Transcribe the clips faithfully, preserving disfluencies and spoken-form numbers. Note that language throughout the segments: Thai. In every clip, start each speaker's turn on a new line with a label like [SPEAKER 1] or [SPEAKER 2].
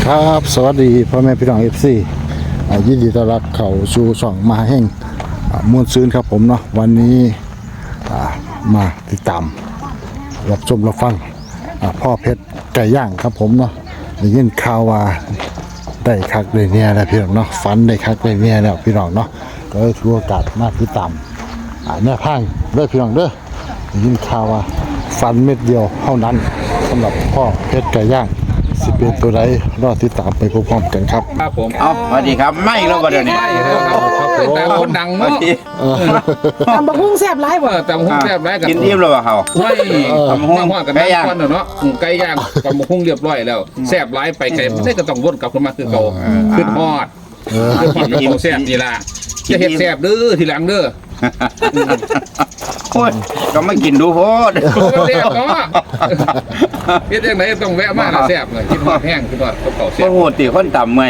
[SPEAKER 1] ครับสวัสดีพ่อแม่พี่น้อง เอฟ ซี อ่ายินดีต้อนรับเข้าสู่ช่องมาแห่งอ่ามวลซืนครับผมเนาะวันนี้อ่ามาติดตามรับชมรับฟังอ่าพ่อเพชรไก่ย่างครับผมเนาะได้ยินข่าวว่าได้คักได้เนี่ยแล้วพี่น้องเนาะฝันได้คักได้เนี่ยแล้วพี่น้องเนาะก็เลยถือโอกาสมาติดตามอ่าแนวทางเด้อพี่น้องเด้อได้ยินข่าวว่าฝันเม็ดเดียวเท่านั้นสำหรับพ่อเพชรไก่ย่างสิเป็นตัวใดรอติดตามไปพร้อมๆกันครับ
[SPEAKER 2] ครับผม
[SPEAKER 3] เอาสวัสดีครับไม่แล้วก็เดี๋ยวนี้
[SPEAKER 2] แต่คนดังเนาะ
[SPEAKER 4] ตำบักหุ่งแซ่บหลายบ่
[SPEAKER 2] แต่หุ้งแซ่บไรกัน
[SPEAKER 3] กินอิ่มแล้วเปล่าเขา
[SPEAKER 2] ไม่ตำหุ้งกันไก่ย่างเนาะไก่ย่างตำหุ้งเรียบร้อยแล้วแซ่บไรไปไก่ไม่ได้ก็ต้องวนกลับขึ้นมาคือเก่าขึ้นฮอดขึ้นฮอดกินแซ่บนี่ล่ะจะเห็ดแซ่บเด้อทีหลังเด้อ
[SPEAKER 3] โอ้ยก็ไม่กินดูโพด
[SPEAKER 2] แซ่บเนาะเฮ็ดยังไงต้องแวะมาแซ่บเลยกินฮอดแห้งขึ้นฮอดกับเก่าแซ่
[SPEAKER 3] โอ้
[SPEAKER 2] บ
[SPEAKER 3] โหตีคนต่ำเมื่อย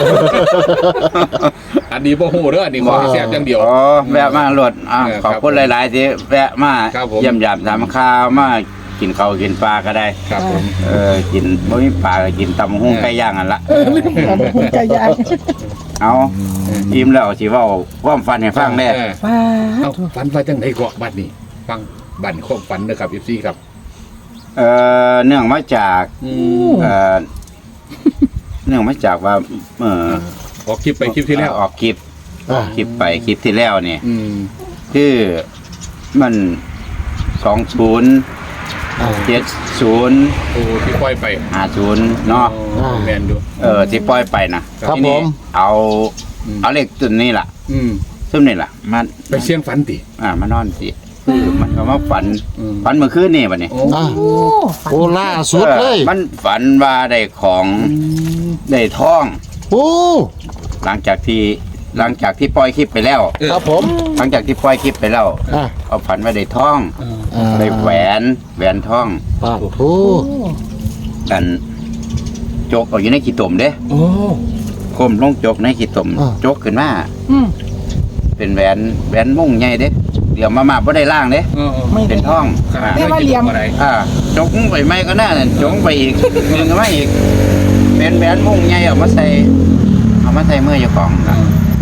[SPEAKER 2] อันนี้บ่ฮู้เด้ออันนี้ขอแซ่บอย่างเดียว
[SPEAKER 3] อ๋อแวะมาหลดอ่ะขอบคุณหลายๆที่แวะมาเยี่ยมยามถามข้าวมากินข้าวกินปลาก็ได้
[SPEAKER 2] ครับผม
[SPEAKER 3] เออกินบ่มีปลาก็กินตำหุ้งไก่ย่างอันละ
[SPEAKER 4] เออลืมตำบักหุ่งไก่ย่าง
[SPEAKER 3] เอาอิ่มแล้วสิเว้าความฝันให้ฟังแน่
[SPEAKER 4] ว้า
[SPEAKER 2] เอ้าฝันว่าจังได๋เกาะบัดนี้ฟังบัดความฝันเด้อครับ เอฟ ซี ครับ
[SPEAKER 3] เออเนื่องมาจาก
[SPEAKER 2] อืม
[SPEAKER 3] เออเนื่องมาจากว่าเออ
[SPEAKER 2] ออกคลิปไปคลิปที่แล้ว
[SPEAKER 3] ออกคลิปออกคลิปไปคลิปที่แล้วเนี่ย
[SPEAKER 2] อืม
[SPEAKER 3] คือมันสองศูนย์เจ็ดศูนย์
[SPEAKER 2] โอ้ที่ปล่อยไป
[SPEAKER 3] ห้าศูนย์เนาะ
[SPEAKER 2] อ๋อแมนดู
[SPEAKER 3] เออที่ปล่อยไปนะครับ ทีนี้
[SPEAKER 1] ผม
[SPEAKER 3] เอา
[SPEAKER 2] อืม
[SPEAKER 3] เอาเลขตัวนี้ล่ะ
[SPEAKER 2] อืม
[SPEAKER 3] ซึ่งนี่ล่ะมัน
[SPEAKER 2] ไปเสียงฝันติ
[SPEAKER 3] อ่ามานอนสิคือมันก็มาฝัน
[SPEAKER 2] อืม
[SPEAKER 3] ฝันเมื่อคืนนี่บัดนี้
[SPEAKER 2] โอ้
[SPEAKER 1] อ่ะ
[SPEAKER 4] โอ้
[SPEAKER 1] โอ้ล่าสุดเลย
[SPEAKER 3] ออมันฝันว่าได้ของได้ทอง
[SPEAKER 1] โอ้
[SPEAKER 3] หลังจากที่หลังจากที่ปล่อยคลิปไปแล้ว
[SPEAKER 1] ครับผม
[SPEAKER 3] หลังจากที่ปล่อยคลิปไปแล้ว
[SPEAKER 1] อ่ะ
[SPEAKER 3] เอาฝันว่าได้ทอง
[SPEAKER 1] อ่า
[SPEAKER 3] ได้แหวนแหวนทอง
[SPEAKER 1] ปาดโอ้
[SPEAKER 3] กันโจกเอาอยู่ในขี้ตมเด้
[SPEAKER 2] โอ้
[SPEAKER 3] คมลงโจกในขี้ตมโจกขึ้นมา
[SPEAKER 4] อืม
[SPEAKER 3] เป็นแหวนแหวนมุ่งใหญ่เด้เดี๋ยวมามาบ่ได้ล่างเด้
[SPEAKER 2] เออ
[SPEAKER 4] ไม่
[SPEAKER 3] เป็นทอง
[SPEAKER 2] ครับ
[SPEAKER 3] อ่า
[SPEAKER 4] เรียกว่าเหลี่ยม
[SPEAKER 2] อะไร
[SPEAKER 3] อ่าจกไปไม่ก็น่านั่นจกไปอีกดึงมาอีกเป็นแหวนมุ่งใหญ่เอามาใส่เอามาใส่มือเจ้าของนะ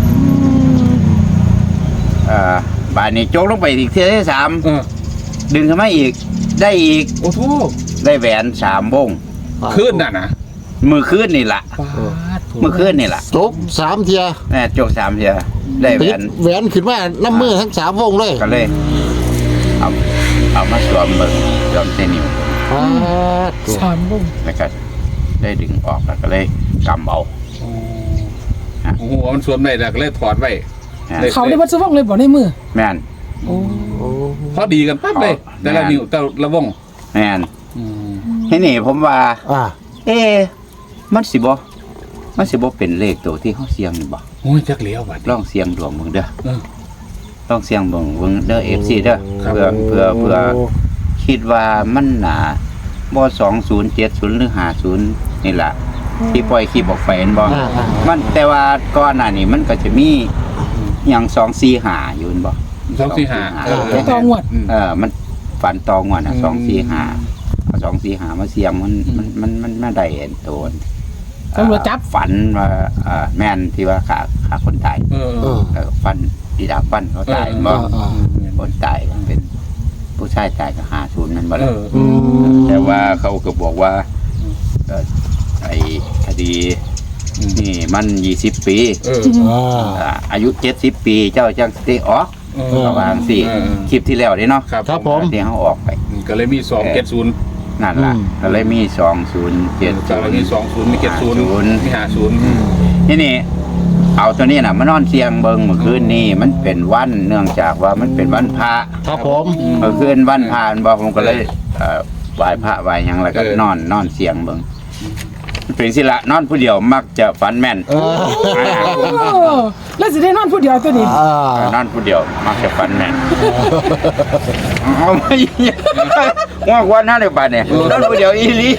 [SPEAKER 3] อ่าบานนี้โจกลงไปอีกเที่ยวที่สาม
[SPEAKER 2] เออ
[SPEAKER 3] ดึงขึ้นมาอีก ได้อีก
[SPEAKER 2] โอ้โห
[SPEAKER 3] ได้แหวนสามวง
[SPEAKER 2] ขึ้นน่ะนะ
[SPEAKER 3] มือคืนนี่ล่ะ
[SPEAKER 2] ปาด
[SPEAKER 3] มือคืนนี่ล่ะ
[SPEAKER 1] จบสามเทีย
[SPEAKER 3] แม่โจกสามเทียได้แหว
[SPEAKER 1] ปิด
[SPEAKER 3] น
[SPEAKER 1] แหวนขึ้นมาน้ำมือทั้งสามวงเลย
[SPEAKER 3] ก็เลยเอาเอามาสวมเบิ่งสวมเส้นนิ้ว
[SPEAKER 1] ปาด
[SPEAKER 4] สามบุ้ง
[SPEAKER 3] แล้วก็ได้ดึงออกแล้วก็เลยกำเอา
[SPEAKER 2] โอ้โหมันสวมได้แต่ก็เลยถอดไว้
[SPEAKER 3] นะ
[SPEAKER 2] เลย
[SPEAKER 4] เขาได้วัดสว่างเลยบ่ในมือ
[SPEAKER 3] แม่น
[SPEAKER 2] โอ้พอดีกันปั๊บเลย แต่ละนิ้วแต่ละวง
[SPEAKER 3] แม่น
[SPEAKER 2] อืม
[SPEAKER 3] ที่นี่ผมว่า
[SPEAKER 1] อ่ะ
[SPEAKER 3] เอ๊ะมันสิบ่มันสิบ่เป็นเลขตัวที่เขาเสียงนี่บ่
[SPEAKER 2] โอ้ยจักเหลียวบัด
[SPEAKER 3] ลองเสียงดวงเบิ่งเด้อ
[SPEAKER 2] เออ
[SPEAKER 3] ลองเสียงเบิ่งเบิ่งเด้อ เอฟ ซี เด้อ
[SPEAKER 2] ครับ
[SPEAKER 3] เพื่อเพื่อเพื่อคิดว่ามันหนาบ่สองศูนย์เจ็ดศูนย์หรือห้าศูนย์นี่ล่ะที่ปล่อยคลิปออกไปเห็นบ่
[SPEAKER 1] อ่ะอ่ะ
[SPEAKER 3] มันแต่ว่าก่อนหน้านี้มันก็จะมีอย่างสองสี่หาอยู่นั่นบ่
[SPEAKER 2] สองสี่ห้าเออ
[SPEAKER 4] ต่องวด
[SPEAKER 2] อืม
[SPEAKER 3] เออมันฝันตองว่ะนะ
[SPEAKER 2] อืม
[SPEAKER 3] สองสี่หาเอาสองสี่หามาเสียงมัน
[SPEAKER 2] อืม
[SPEAKER 3] มันมันมันไม่ได้เห็นตัว
[SPEAKER 4] ตำรวจจับ
[SPEAKER 3] ฝันว่าเอ่อแม่นที่ว่าขาขาคนตาย
[SPEAKER 2] เออ
[SPEAKER 1] เออ
[SPEAKER 3] เออฟันดีดาฟันเขาตาย
[SPEAKER 2] เออ
[SPEAKER 3] บ่
[SPEAKER 1] อ่ะอ่ะ
[SPEAKER 3] คนตายเป็นผู้ชายตายก็ห้าศูนย์นั่นบ่
[SPEAKER 2] เอ
[SPEAKER 3] ล่ะ
[SPEAKER 2] อ
[SPEAKER 1] อืม
[SPEAKER 3] แต่ว่าเขาก็บอกว่าเอ่อไอ้คดีนี่มันยี่สิบปี
[SPEAKER 2] เออ
[SPEAKER 1] อ่า
[SPEAKER 3] อ่าอายุเจ็ดสิบปีเจ้าจังสิออก
[SPEAKER 2] เอ
[SPEAKER 1] เออ
[SPEAKER 3] ประมาณสี่
[SPEAKER 2] เออ
[SPEAKER 3] คลิปที่แล้วเด้เนาะ
[SPEAKER 2] ครับ
[SPEAKER 1] ครับผม
[SPEAKER 3] ที่เขาออกไป
[SPEAKER 2] ก็เลยมีสองเจ็ดศูนย์
[SPEAKER 3] นั่นล่ะ
[SPEAKER 1] อืม
[SPEAKER 3] ก็เลยมีสองศูนย์เจ็ด
[SPEAKER 2] ก็
[SPEAKER 3] ศู
[SPEAKER 2] เลย
[SPEAKER 3] น
[SPEAKER 2] มี
[SPEAKER 3] ย์
[SPEAKER 2] สองศูนย์มีเจ็ดศูนย์
[SPEAKER 3] ศูนย์
[SPEAKER 2] มีห้าศูนย์
[SPEAKER 3] ที่นี่เอาตัวนี้น่ะมานอนเสียงเบิงเมื่อคืนนี้มันเป็นวันเนื่องจากว่ามันเป็นวันพระ
[SPEAKER 1] ครับผม
[SPEAKER 3] เมื่อคืนวันพระอันบอกผมก็เลยเอ่อไหว้พระไหว้หยังแล้วก็นอนนอนเสียงเบิงมันเป็นสิละนอนผู้เดียวมักจะฝันแม่น
[SPEAKER 1] เออ
[SPEAKER 4] โอ้แล้วสิได้นอนผู้เดียวตัวนี้
[SPEAKER 1] อ่า
[SPEAKER 3] นอนผู้เดียวมักจะฝันแม่นเอาไม่ง่วงวันนั้นเลยป่ะเนี่ยนอนผู้เดียวอีหลี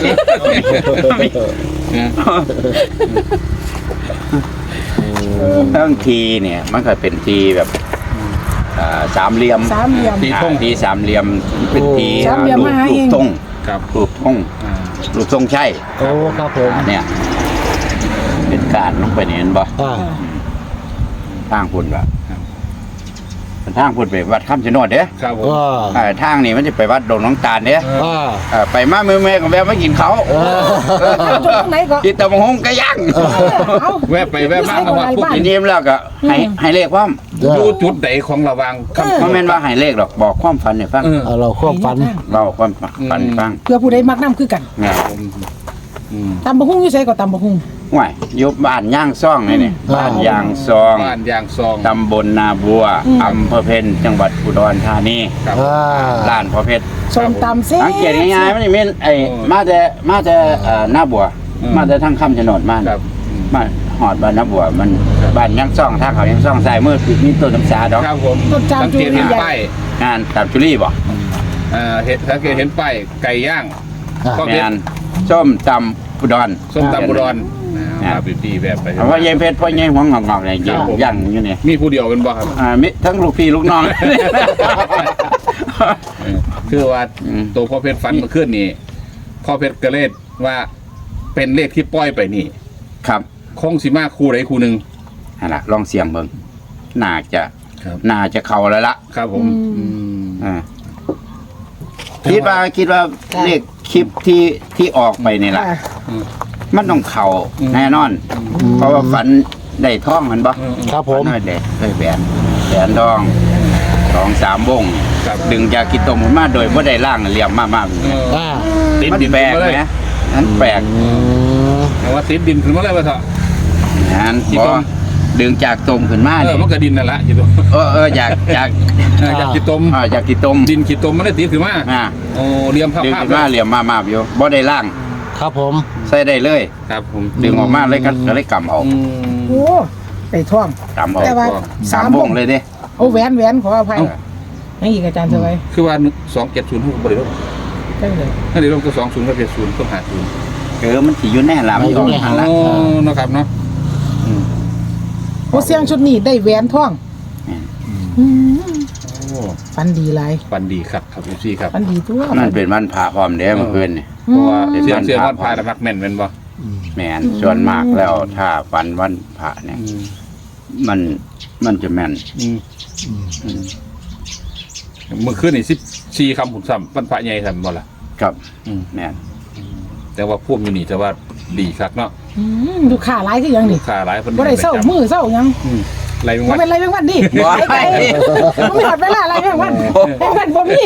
[SPEAKER 3] ทั้งทีเนี่ยมันก็เป็นทีแบบอ่าสามเหลี่ยม
[SPEAKER 4] สามเหลี่ยม
[SPEAKER 3] อ่าทีสามเหลี่ยมเป็นที
[SPEAKER 4] สามเหลี่ยม
[SPEAKER 3] รูป
[SPEAKER 4] มาหา
[SPEAKER 3] รู
[SPEAKER 4] เอ
[SPEAKER 3] ป
[SPEAKER 4] ง
[SPEAKER 3] ทรง
[SPEAKER 2] ครับ
[SPEAKER 3] รูปทรง
[SPEAKER 2] อ่า
[SPEAKER 3] รูปทรงใช่
[SPEAKER 1] โอ้ครับผม
[SPEAKER 3] อ่าเนี่ยเป็นการลงไปนี่เห็นบ่
[SPEAKER 1] อ่า
[SPEAKER 3] ทางพุ่นว่าเป็นทางพุ่นไปวัดคำชะโนดเด้
[SPEAKER 2] ครับผม
[SPEAKER 1] ว่า
[SPEAKER 3] เอ่อทางนี้มันจะไปวัดดงน้องตาลเด้
[SPEAKER 1] อ่า
[SPEAKER 3] เอ่อไปมามือแม่ก็แวะมากินเขาว
[SPEAKER 4] เอาจุดตรงไหนก็
[SPEAKER 3] กินตะมงหงไก่ย่าง
[SPEAKER 4] เอา
[SPEAKER 2] แวะไปแวะมาเอาว่าพวก
[SPEAKER 3] ทีนี้แล้วก็ให้ให้เลขความ
[SPEAKER 2] อยู่จุดใดของระหวางคำ
[SPEAKER 3] บ่แม่นว่าให้เลขหรอกบอกความฝันให้ฟัง
[SPEAKER 2] เออ
[SPEAKER 1] เอาเราควบฝัน
[SPEAKER 3] เราความฝันให้ฟัง
[SPEAKER 4] เพื่อผู้ใดมักน้ำคือกัน
[SPEAKER 3] เนี่ย
[SPEAKER 2] อืม
[SPEAKER 4] ตำบะฮุ่งอยู่ไสก็ตำบะฮุ่ง
[SPEAKER 3] ห่วยอยู่บ้านย่างซ่องนี่นี่บ้านย่างซอง
[SPEAKER 2] บ้านยางซอง
[SPEAKER 3] ตำบลนาบัวอำเภอเพ็ญจังหวัดอุดรธานี
[SPEAKER 2] ครับ
[SPEAKER 1] อ่า
[SPEAKER 3] ร้านพ่อเพชร
[SPEAKER 4] ส้มตำเซ่
[SPEAKER 3] สังเกตง่ายๆมันนี่แม่นไอ้มาแต่มาแต่เอ่อหน้าบัว
[SPEAKER 2] อืม
[SPEAKER 3] มาแต่ทางคำชะโนดมา
[SPEAKER 2] ครับ
[SPEAKER 3] มาหอดบ้านหน้าบัวมันบ้านยังซ่องทางเขายังซ่องสายมืดมีต้นน้ำสาดอก
[SPEAKER 2] ครับผม
[SPEAKER 4] ต้นจาม
[SPEAKER 2] สัง
[SPEAKER 4] จู
[SPEAKER 2] เกต
[SPEAKER 4] เรี
[SPEAKER 2] เห็น
[SPEAKER 4] ย
[SPEAKER 2] ป้าย
[SPEAKER 3] งานตับจุลี่บ่
[SPEAKER 2] อ่าเห็นสังเกตเห็นป้ายไก่ย่าง
[SPEAKER 1] อ่า
[SPEAKER 2] ก็
[SPEAKER 3] งานส้มตำอุดร
[SPEAKER 2] ส้มตำบุรอน
[SPEAKER 3] อ่า
[SPEAKER 2] มาบิวตี้แบบไป
[SPEAKER 3] เอาว่ายายเพชรพ่อยายหัวงอกๆเนี่ยย่างย่างอยู่นี่
[SPEAKER 2] มีผู้เดียวเป็นบ่ครับ
[SPEAKER 3] อ่ามิทั้งลูกพี่ลูกน้อง
[SPEAKER 2] เออคือว่า
[SPEAKER 3] อืม
[SPEAKER 2] ตัวพ่อเพชรฟันเมาขึ้นนี่พ่อเพชรกระเลดว่าเป็นเลขที่ปล่อยไปนี่
[SPEAKER 3] ครับ
[SPEAKER 2] คงสิมาคู่ใดคู่หนึ่ง
[SPEAKER 3] นั่นล่ะลองเสียงเบิ่งน่าจะ
[SPEAKER 2] ครับ
[SPEAKER 3] น่าจะเข้าแล้วล่ะ
[SPEAKER 2] ครับผมอืม
[SPEAKER 3] อ่าคิดว่าคิดว่าเลขคลิปที่ที่ออกไปนี่ล่ะ
[SPEAKER 4] อ่า
[SPEAKER 3] มันต้องเข่าแน่นอน เพราะว่าฝันได้ท่องมันบ่
[SPEAKER 2] อืม
[SPEAKER 1] ครับผม
[SPEAKER 3] ฝันว่าได้ได้แหวนแหวนทองสองสามวง
[SPEAKER 2] ครับ
[SPEAKER 3] ดึงจากกิโตมมาโดยบ่ได้ล่างเหลี่ยมมาก
[SPEAKER 2] เออ
[SPEAKER 1] อ่า
[SPEAKER 2] ติด
[SPEAKER 3] ๆมัน
[SPEAKER 2] ดิน
[SPEAKER 3] แปลก
[SPEAKER 2] ขึ้นมาเลย
[SPEAKER 3] นะนั้นแปลก
[SPEAKER 1] อืม
[SPEAKER 2] แต่ว่าติดดินขึ้นมาเลยว่าเถอะ
[SPEAKER 3] นั้น
[SPEAKER 2] กิ
[SPEAKER 3] พ
[SPEAKER 2] โต
[SPEAKER 3] อ
[SPEAKER 2] ม
[SPEAKER 3] ดึงจากตมขึ้นมา
[SPEAKER 2] เออ
[SPEAKER 3] นี่
[SPEAKER 2] มันก็ดินนั่นแหละขีดตม
[SPEAKER 3] เออเออจากจาก
[SPEAKER 2] เออจากขีดตม
[SPEAKER 3] อ่าจากกิโตม
[SPEAKER 2] ดินขีดตมมันได้ติดขึ้นมา
[SPEAKER 3] อ่า
[SPEAKER 2] โอ้เรียมภาพ
[SPEAKER 3] ดึง
[SPEAKER 2] ภาพ
[SPEAKER 3] ขึ้นมาเหลี่ยมมากๆอยู่บ่ได้ล่าง
[SPEAKER 1] ครับผม
[SPEAKER 3] ใส่ได้เลย
[SPEAKER 2] ครับผม
[SPEAKER 3] ดึงออกมาเลยก็ก็เลยกำเอา
[SPEAKER 2] อืม
[SPEAKER 4] โอ้ไปท่อง
[SPEAKER 3] กำเอา
[SPEAKER 4] แต่ว่า
[SPEAKER 3] สามวงเลยเด้
[SPEAKER 4] โอ้แหวนแหวนขออภัยนี่อีกอาจารย์สบาย
[SPEAKER 2] คือว่าสองเจ็ดศูนย์บริโภค
[SPEAKER 4] ได้เลย
[SPEAKER 2] นั่นเดี๋ยวลงก็สองศูนย์ก็เจ็ดศูนย์ก็หาศูนย์
[SPEAKER 3] เออมันสิอยู่แน่ล่ะมันออกหันละ
[SPEAKER 2] โอ้นะครับเนาะ
[SPEAKER 4] โอ้เสียงชุดนี้ได้แหวนท่องอืม
[SPEAKER 2] โอ้
[SPEAKER 4] ฟันดีหลาย
[SPEAKER 2] ปันดีครับครับพี่ซี่ครับ
[SPEAKER 4] ฟันดีตัว
[SPEAKER 3] นั่นเป็นวันพระพร้อมเด้เมื่อคืนนี่
[SPEAKER 2] เพราะว่า
[SPEAKER 3] อืม
[SPEAKER 2] เสียงเสียงวันพายระมักแม่นเป็นบ่
[SPEAKER 3] แม่นส่วนมากแล้วถ้าวันวันพระเนี่ย มันมันจะแม่น
[SPEAKER 2] อืมเมื่อคืนนี่สิบสี่คำผุนซ้ำวันพระใหญ่ซ้ำบ่ล่ะ
[SPEAKER 3] ครับ
[SPEAKER 2] อืม
[SPEAKER 3] แม่น
[SPEAKER 2] แต่ว่าพวกอยู่นี่แต่ว่าดีครับเนาะ
[SPEAKER 4] อืมดูขาหลายคือหยังนี่
[SPEAKER 2] ค่าหลายคน
[SPEAKER 4] บ่ได้เศร้ามือเศร้าหยัง
[SPEAKER 2] อืมไรมึง
[SPEAKER 4] บ่
[SPEAKER 2] วะ
[SPEAKER 4] เป็นไรแมงวันดิ
[SPEAKER 3] บ่
[SPEAKER 4] ไปไกลบ่มีหอดเวลาอะไรแมงวันแมงวันบ่มี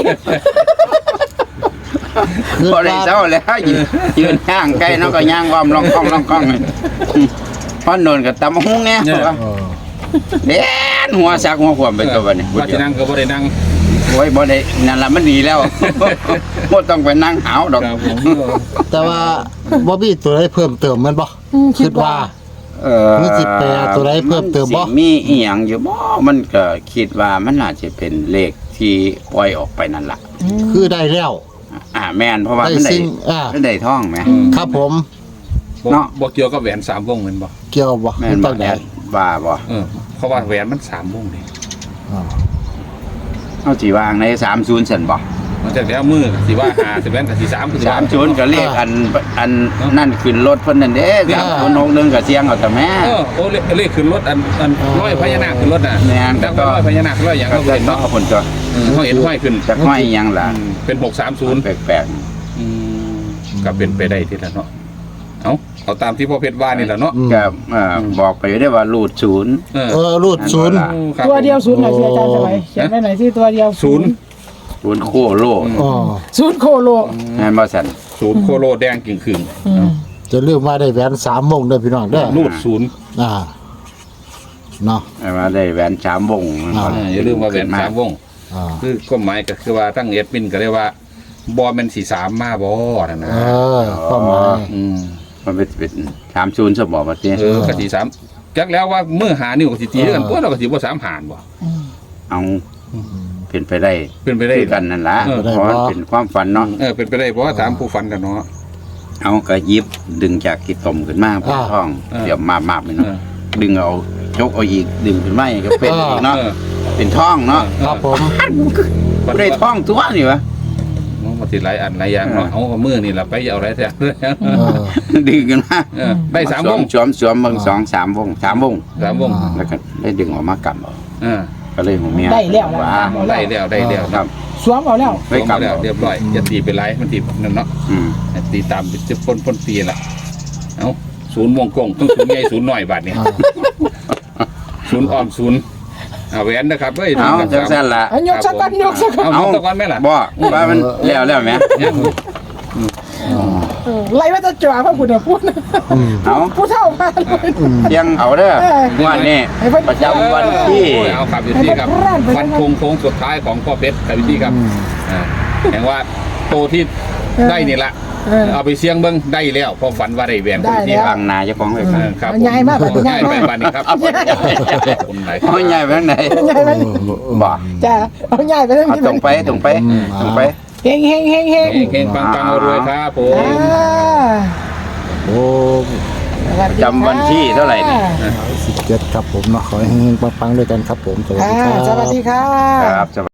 [SPEAKER 1] คือ
[SPEAKER 3] พอได้เศร้าแล้วยืนยืนย่างใกล้เนาะก็ย่างอ้อมลองคล้องลองคล้องพอโดนกับตำหุ้งเนี่ย
[SPEAKER 1] เออ
[SPEAKER 3] เด่นหัวสักหัวขวมไปตัวบัดนี้
[SPEAKER 2] ว่าจะนั่งก็บ่ได้นั่ง
[SPEAKER 3] โอ้ยบ่ได้นั่นล่ะมันดีแล้วบ่ต้องไปนั่งหาวดอก
[SPEAKER 2] ครับผม
[SPEAKER 1] แต่ว่าบ่มีตัวใดเพิ่มเติมแมันบ่
[SPEAKER 4] อืมคิ
[SPEAKER 1] คิ
[SPEAKER 4] ด
[SPEAKER 1] ด
[SPEAKER 4] ว่า
[SPEAKER 1] ว่า
[SPEAKER 3] เออ
[SPEAKER 1] มีจิตแปรตัวใดเพิ่มเติมบ่
[SPEAKER 3] นสิมีอีหยังอยู่บ่มันก็คิดว่ามันน่าจะเป็นเลขที่ปล่อยออกไปนั่นล่ะ
[SPEAKER 1] คือได้แล้ว
[SPEAKER 3] อ่าแม่นเพราะว่า
[SPEAKER 1] ได้
[SPEAKER 3] มันได้
[SPEAKER 1] สิ่งอ่า
[SPEAKER 3] มันได้ท่องไหม
[SPEAKER 1] ครับผม
[SPEAKER 2] บ่
[SPEAKER 3] เนาะ
[SPEAKER 2] บ่เกี่ยวกับแหวนสามวงเหมือนบ่
[SPEAKER 1] เกี่ยวบ่
[SPEAKER 3] แม่น
[SPEAKER 1] คือ
[SPEAKER 3] บ่
[SPEAKER 1] ตั้ง
[SPEAKER 3] แอ
[SPEAKER 1] แต่
[SPEAKER 3] ดว่าบ่
[SPEAKER 2] เออเพราะว่าแหวนมันสามวงนี่
[SPEAKER 1] อ่า
[SPEAKER 3] เอาสิวางในสามสิบซั่นบ่
[SPEAKER 2] มันจะแล้วมือสิว่าหาสิแหวนกับสิสามคือสิ
[SPEAKER 3] สามสิบก็เลขอันอันนั่นขึ้นรถเพิ่นนั่นเด้สามสิบหกหนึ่งก็เสียงเอาแต่แม่
[SPEAKER 2] เออโอ้เลขเลขขึ้นรถอันอันร้อยพญานาคขึ้นรถน่ะ
[SPEAKER 3] แม่น
[SPEAKER 2] แต่ก็ร้อยพญานาคร้อยอย่าง
[SPEAKER 3] ก็
[SPEAKER 2] เขา
[SPEAKER 3] จะ
[SPEAKER 2] เห็น
[SPEAKER 3] เนาะ
[SPEAKER 2] เนาะ
[SPEAKER 3] เพิ่นก็
[SPEAKER 2] เออเขาเห็นห้อยขึ้น
[SPEAKER 3] จักห้อยอีหยังล่ะ
[SPEAKER 2] อืมเป็นหกสามศูนย์
[SPEAKER 3] แปลก
[SPEAKER 2] ก็เป็นไปได้ทีละเนาะเอาเอาตามที่พ่อเพชรว่านี่แหละเนาะ
[SPEAKER 3] ๆก็เอ่อบอกไปอยู่ได้ว่ารูดศูนย์
[SPEAKER 2] เออ
[SPEAKER 1] เออรูดศูนย์
[SPEAKER 2] ครับ
[SPEAKER 4] ตัวเดียวศูนย์หน่อยสิอาจารย์สบายเขียนไว้หน่อยสิตัวเดียว
[SPEAKER 2] ศูนย์
[SPEAKER 3] ศูนย์โคโล
[SPEAKER 1] อ๋อ
[SPEAKER 4] ศูนย์โคโล
[SPEAKER 3] แม่นบ่ซั่น
[SPEAKER 2] ศูนย์โคโลแดงกิ่งขึง
[SPEAKER 4] อืม
[SPEAKER 1] จะลืมว่าได้แหวนสามวงเด้อพี่น้องเด้อ
[SPEAKER 2] รูดศูนย์
[SPEAKER 1] อ่าเนาะ
[SPEAKER 3] ให้มาได้แหวนสามวง
[SPEAKER 1] อ่า
[SPEAKER 2] เอออย่าลืมว่าแหวนสามวง
[SPEAKER 1] อ่า
[SPEAKER 2] คือความหมายก็คือว่าตั้งเอดมินก็เรียกว่าบอลเป็นสีสามมาบอนะนะ
[SPEAKER 1] เออความหมาย
[SPEAKER 2] อืม
[SPEAKER 3] มันเป็นเป็นสามศูนย์สมบ่บัดนี้
[SPEAKER 2] เออกะสีสามจักแล้วว่าเมื่อหานิ้วกับสีตีด้วยกันตัวเราก็สีว่าสามหานบ่
[SPEAKER 3] เอาเป็นไปได้
[SPEAKER 2] เป็นไปได้
[SPEAKER 3] คือกันนั่นล่ะ
[SPEAKER 2] เออ
[SPEAKER 3] เพราะมันเป็นความฝันเนาะ
[SPEAKER 2] เออเป็นไปได้เพราะว่าถามผู้ฟันกันเนาะ
[SPEAKER 3] เอาก็หยิบดึงจากกิตมขึ้นมาเป็นท้อง
[SPEAKER 2] เออ
[SPEAKER 3] เดี๋ยวมาๆไป
[SPEAKER 2] เอ
[SPEAKER 3] เนาะ
[SPEAKER 2] อ
[SPEAKER 3] ดึงเอาจกเอาอีกดึงขึ้นมาอีกก็เป็นอีกเนาะ
[SPEAKER 2] เออ
[SPEAKER 3] เป็นท้องเนาะ
[SPEAKER 1] ครับผม
[SPEAKER 3] บ่ได้ท้องตัวนี่วะ
[SPEAKER 2] น้องมันสิหลายอันหลายอย่างเนาะเอามือนี่ล่ะไปเอาอะไรแท้
[SPEAKER 1] เออ
[SPEAKER 3] ดึงกันมา
[SPEAKER 2] เออได้สามวง
[SPEAKER 3] สวมสวมเบิ่งสองสามวงสามวง
[SPEAKER 2] สามวง
[SPEAKER 3] แล้วก็ได้ดึงออกมากำเอา
[SPEAKER 2] เออ
[SPEAKER 3] ก็เลยหัวเมีย
[SPEAKER 4] ได้แล้วล่ะ
[SPEAKER 3] ว่า
[SPEAKER 2] ได้แล้วได้แล้ว
[SPEAKER 3] ครับ
[SPEAKER 4] สวมเอาแล้ว
[SPEAKER 3] ได้
[SPEAKER 2] ได้กลับ
[SPEAKER 3] กำ
[SPEAKER 2] แล้ว
[SPEAKER 3] เอา
[SPEAKER 2] เรียบร้อยอย่าตีไปไรมันตีนั่นเนาะ
[SPEAKER 3] อืม
[SPEAKER 2] ตีตามจะพ้นพ้นตีละเอาศูนย์วงกงต้องศูนย์ใหญ่ศูนย์หน่อยบาทเนี่ยศูนย์ออมศูนย์เอาแหวนนะครับเฮ้ย
[SPEAKER 3] เอาจังซั่นล่ะ
[SPEAKER 4] เอายกสักกันยกสักกัน
[SPEAKER 2] เอาตะกอนไหมล่ะ
[SPEAKER 3] บ่ว่ามันแล้วแล้วแหม
[SPEAKER 2] เนี่ย
[SPEAKER 4] เออไล่ว่าจะจ่าพระพุทธพูดนะ
[SPEAKER 3] เอา
[SPEAKER 4] ผู้เฒ่ามาเลย
[SPEAKER 3] เสียงเอาเด้อ
[SPEAKER 4] เออ
[SPEAKER 3] งวันนี้
[SPEAKER 4] ให้เพิ่น
[SPEAKER 3] ประจำวันที่
[SPEAKER 2] โอ้ยเอาครับอยู่ที่ครับวันคงโค้งสุดท้ายของพ่อเพชรครับอยู่ที่ครับอ่าแห่งว่าโตที่ได้นี่ละ
[SPEAKER 4] เออ
[SPEAKER 2] เอาไปเสี่ยงเบิ้งได้แล้วเพอฝันว่าได้แหวน
[SPEAKER 4] ได้
[SPEAKER 2] ที่
[SPEAKER 4] แล้ว
[SPEAKER 3] บางนาเจ้าของไว้
[SPEAKER 2] เอ
[SPEAKER 3] ครับ
[SPEAKER 2] อครับ
[SPEAKER 4] มันใหญ่มาก
[SPEAKER 2] ผม
[SPEAKER 4] มันใหญ่
[SPEAKER 2] ใหญ่
[SPEAKER 4] มาก
[SPEAKER 2] ไปบ้านนี้ครับคนไหน
[SPEAKER 3] เอาใหญ่ไปทางไหน
[SPEAKER 4] ใหญ่ไหม
[SPEAKER 3] บ่
[SPEAKER 4] จ้าเอาใหญ่ไปเลย
[SPEAKER 3] เอาตรงไปตรงไปตรงไป
[SPEAKER 4] เฮงเฮงเฮงเฮง
[SPEAKER 2] เฮงเฮงปังปังรวยครับผม
[SPEAKER 4] อ่า
[SPEAKER 1] โอ้
[SPEAKER 4] สวัสดี
[SPEAKER 3] จำวันที่เท่าไหร่นี่
[SPEAKER 4] ค่ะ
[SPEAKER 1] สิบเจ็ดครับผมเนาะขอให้เฮงๆปังๆด้วยกันครับผมสวัส
[SPEAKER 4] ค่ะ
[SPEAKER 1] ดีครับ
[SPEAKER 4] สวัสดีค่ะ
[SPEAKER 3] ครับ